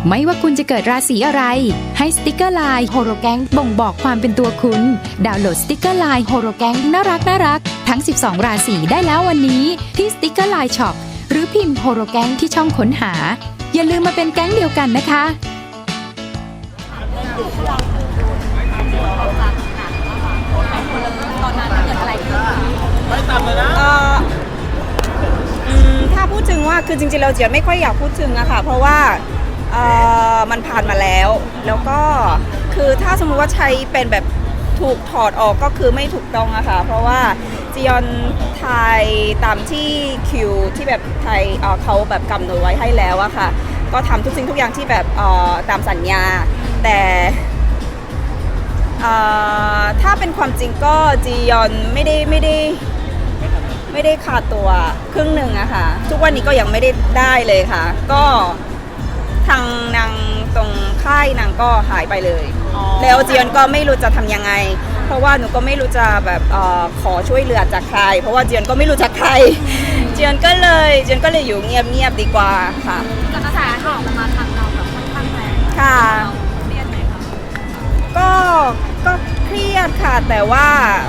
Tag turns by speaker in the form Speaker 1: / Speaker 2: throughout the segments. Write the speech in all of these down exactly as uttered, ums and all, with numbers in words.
Speaker 1: ไม่ว่าคุณจะเกิดราศีอะไรให้สติกเกอร์ไลน์โฮโรแกงบ่งบอกความเป็นตัวคุณดาวน์โหลดสติกเกอร์ไลน์โฮโรแกงน่ารักน่ารักทั้งสิบสองราศีได้แล้ววันนี้ที่สติกเกอร์ไลน์ช็อปหรือพิมพ์โฮโรแกงที่ช่องค้นหาอย่าลืมมาเป็นแก๊งเดียวกันนะคะ
Speaker 2: ตอนนั้นเกิดอะไรขึ้นไม่ต่ำเลยนะ
Speaker 3: ถ้าพูดถึงว่าคือจริงๆเราเจียนไม่ค่อยอยากพูดถึงอะค่ะเพราะว่ามันผ่านมาแล้วแล้วก็คือถ้าสมมุติว่าใช้เป็นแบบถูกถอดออกก็คือไม่ถูกต้องอะค่ะเพราะว่าจียอนไทยตามที่คิวที่แบบไทยเขาแบบกำหนดไว้ให้แล้วอะค่ะก็ทำทุกสิ่งทุกอย่างที่แบบตามสัญญาแต่ถ้าเป็นความจริงก็จียอนไม่ได้ไม่ได้ไม่ได้ขาดตัวครึ่งหนึ่งอะค่ะทุกวันนี้ก็ยังไม่ได้ได้เลยค่ะก็ทางนางตรงค่ายนางก็หายไปเลยแล้วจียอนก็ไม่รู้จะทำยังไงเพราะว่าหนูก็ไม่รู้จะแบบออขอช่วยเหลือจากใครเพราะว่าจียอนก็ไม่รู้จักใครจียอนก็เลยจียอนก็เลยอยู่เงียบๆดีกว่าค่ะ
Speaker 2: กระแสข่าวมาทางเราแบบค่อนข้างแรง
Speaker 3: ค่ะ
Speaker 2: เครียดไหมคะ
Speaker 3: ก็ก็เครียดค่ะแต่ว่า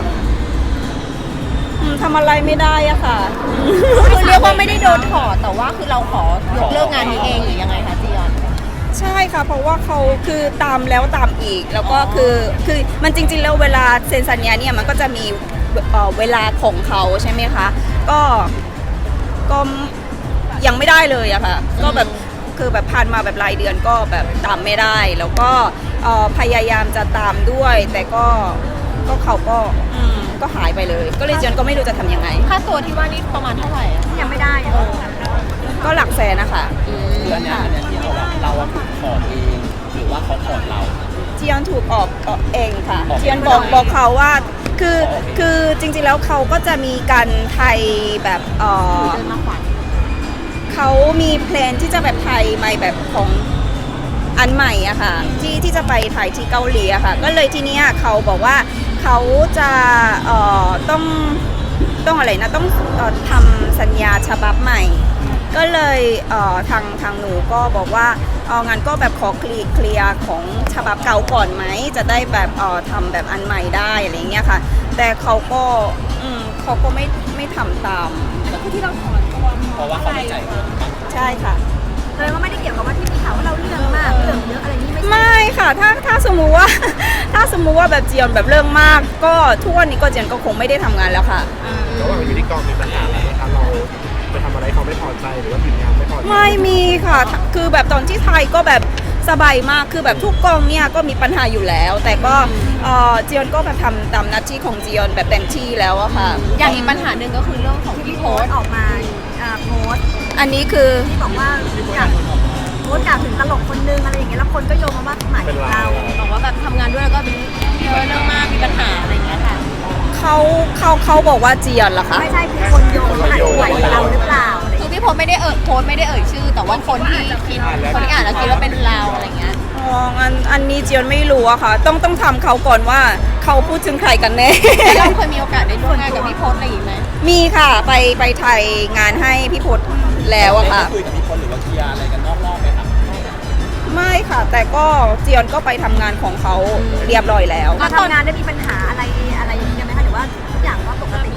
Speaker 3: ทำอะไรไม่ได้อะค่ะ
Speaker 2: คือเรียกว่าไม่ได้โดนถอดแต่ว่าคือเราขอยกเลิกงานนี้เองหรือยังไงคะจียอน
Speaker 3: ใช่ค่ะเพราะว่าเขาคือตามแล้วตามอีกแล้วก็คือคือมันจริงๆแล้วเวลาเซ็นสัญญาเนี่ยมันก็จะมีเวลาของเขาใช่ไหมคะก็ก็ยังไม่ได้เลยอะค่ะก็แบบคือแบบผ่านมาแบบรายเดือนก็แบบตามไม่ได้แล้วก็พยายามจะตามด้วยแต่ก็ก็เขาก็ก็หายไปเลยก็เลยเจนก็ไม่รู้จะทำยังไง
Speaker 2: ค่าตัวที่ว่านี่ประมาณเท่าไหร่ยังไม่ได้
Speaker 3: ก็หลักแสนนะคะ
Speaker 4: เดือนนี้เนี่ยที่เราเราถูกถอดเองหรือว่าเขาถอดเรา
Speaker 3: เจียนถูกออกเองค่ะเจียนบอกบอกเขาว่าคือคือจริงๆแล้วเขาก็จะมีการไทยแบบเออเขามีแพลนที่จะแบบไทยใหม่แบบของอันใหม่อะค่ะที่ที่จะไปถ่ายที่เกาหลีอะค่ะก็เลยทีเนี้ยเขาบอกว่าเขาจะเอ่อต้องต้องอะไรนะต้องเอ่อทำสัญญาฉบับใหม่ก็เลยเอ่อทางทางหนูก็บอกว่าเอางั้นก็แบบขอเคลียร์เคลียร์ของฉบับเก่าก่อนไหมจะได้แบบเอ่อทำแบบอันใหม่ได้อะไรเงี้ยค่ะแต่เขาก็อืมเขาก็ไม่ไม่ทำตาม
Speaker 2: ก็คือที่เราถอนตัว
Speaker 4: เพราะว่าเขาไม่ใจ
Speaker 3: ใช่ค่ะ
Speaker 2: แสดงว่าไม่ได้เกี่ยวกับว่าที่มีข่าวว่าเราเรื่องมากเรื่องเยอะอะไรนี่ไม่ใช่
Speaker 3: ไม่ค่ะถ้าถ้าสมมุติว่าถ้าสมมุติว่าแบบเจียนแบบเรื่องมากก็ทุกวันนี้ก็เจียนก็คงไม่ได้ทำงานแล้วค่ะ
Speaker 5: ระหว่างอยู่ที่กองมีปัญหาอะไรคะเราไปทำอะไรเขาไม่พอใจหรือว่าผิดงานไม่พอใจ
Speaker 3: ไม่มีค่ะคือแบบตอนที่ไทยก็แบบสบายมากคือแบบทุกกองเนี่ยก็มีปัญหาอยู่แล้วแต่ก็เจียนก็แบบทำตามหน้าที่ของเจียนแบบเต็มที่แล้วอะค่ะ
Speaker 2: อย่างอีกปัญหาหนึ่งก็คือเรื่องของที่โพสออกมาโพส
Speaker 3: อันนี้คือ
Speaker 2: ที่บอกว่าอยากโพสต์กล่าวถึงตลกคนนึงอะไรอย่างเงี้ยแล้วคนก็โยงมาว่าหมายถึงเราบอกว่าแบบทำงานด้วยแล้วก็เยอะเรื่องมากมีปัญหาอะไรอย่างเงี้ยค่ะ
Speaker 3: เขาเขาเขาบอกว่าเจียนเหรอคะ
Speaker 2: ไม่ใช่คือคนโยงว่าหมายถึงเราหรือเปล่าคือพี่โพสไม่ได้เอ่ยโพสไม่ได้เอ่ยชื่อแต่ว่าคนที่คิดคนที่อ่านแล้วคิดว่าเป็นเราอะไรเงี้ย
Speaker 3: อ๋ออันอันนี้เจียนไม่รู้อะค่ะต้องต้องทำเขาก่อนว่าเขาพูดถึงใครกันแน่
Speaker 2: เราเคยมีโอกาสได้ร่วมงานกับพี่โพสอะไรอย่างไหม
Speaker 3: มีค่ะไปไปไทยงานให้พี่โพสแล้วอะค่ะ
Speaker 4: คุยกับพี่โพสหรือว่าเคลียร์อะไรกันนอกๆไหมครับ
Speaker 3: ไม่ค่ะแต่ก็เจียนก็ไปทำงานของเขาเรียบร้อยแล้ว
Speaker 2: ก็ทำงานได้มีปัญหาอะไรอะไรอย่างเงี้ยไหมคะหรือว่าทุกอย่างก็ปกติ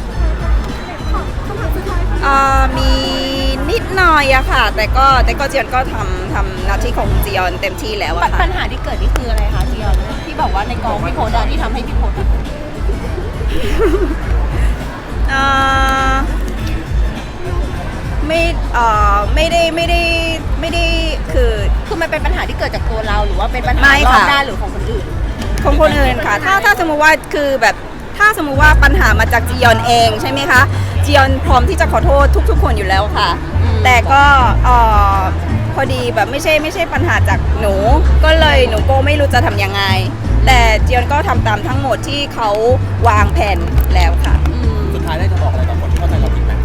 Speaker 3: มีนิดหน่อยอะค่ะแต่ก็แต่ก็เจียนก็ทำทำหน้าที่ของเจียนเต็มที่แล้วอะค่ะ
Speaker 2: ปัญหาที่เกิดนี่คืออะไรคะเจียนที่บอกว่าในกองพี่โพสที่ทำให้พี่โพส
Speaker 3: ไม่เอ่อไม่ได้ไม่ได้ไม่ได้คือ
Speaker 2: คือมันเป็นปัญหาที่เกิดจากตัวเราหรือว่าเป็นปัญหารอบด้านหรือของคนอื่น
Speaker 3: ของคนอื่นค่ะถ้าถ้าสมมติว่าคือแบบถ้าสมมุติว่าปัญหามาจากจียอนเองใช่ไหมคะจียอนพร้อมที่จะขอโทษทุกๆคนอยู่แล้วค่ะแต่ก็เอ่อพอดีแบบไม่ใช่ไม่ใช่ปัญหาจากหนูก็เลยหนูก็ไม่รู้จะทำยังไงแต่จียอนก็ทำตามทั้งหมดที่เขาวางแผนแล้วค่ะ
Speaker 4: สุดท้ายได้จะบอกอะไรกับคนที่เข้าใจเราผิดไหม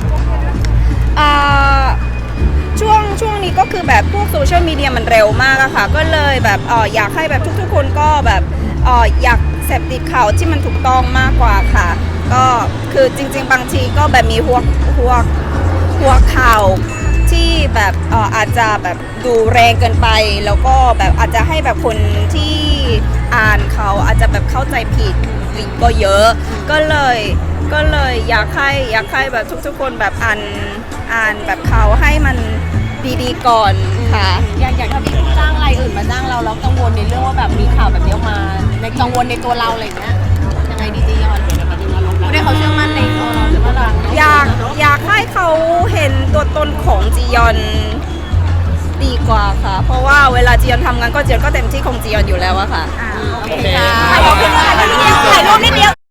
Speaker 3: ช่วงช่วงนี้ก็คือแบบพวกโซเชียลมีเดียมันเร็วมากอะค่ะก็เลยแบบเอออยากให้แบบทุกๆคนก็แบบเอออยากเสพติดข่าวที่มันถูกต้องมากกว่าค่ะก็คือจริงๆบางทีก็แบบมีหัวหัวหัวข่าวทที่แบบเอ่ออาจจะแบบดูแรงเกินไป แล้วก็แบบอาจจะให้แบบคนที่อ่านเขาอาจจะแบบเข้าใจผิดก็เยอะ ก็เลยก็เลยอยากให้อยากให้แบบทุกๆคนแบบอ่านอ่านแบบเขาให้มันดีๆก่อนค่ะ
Speaker 2: อยากอยากถ้าพี่จ้างรายอื่นมาจ้างเราแล้วกังวลในเรื่องว่าแบบมีข่าวแบบนี้ออกมาในกังวลในตัวเราอะไรอย่างเงี้ยยังไงดีจียอนผู้ได้เขาเชื่อมั่นในตัวเราหรือว่าเรา
Speaker 3: อยากอยากให้เขาเห็นตัวตนของจียอนดีกว่าค่ะ เพราะว่าเวลาจียอนทำงานก็จียอนก็เต็มที่ของจียอนอยู่แล้วอะค่ะ
Speaker 2: โอเคค่ะขอบคุณค่ะถ่ายรูปนิดเดียว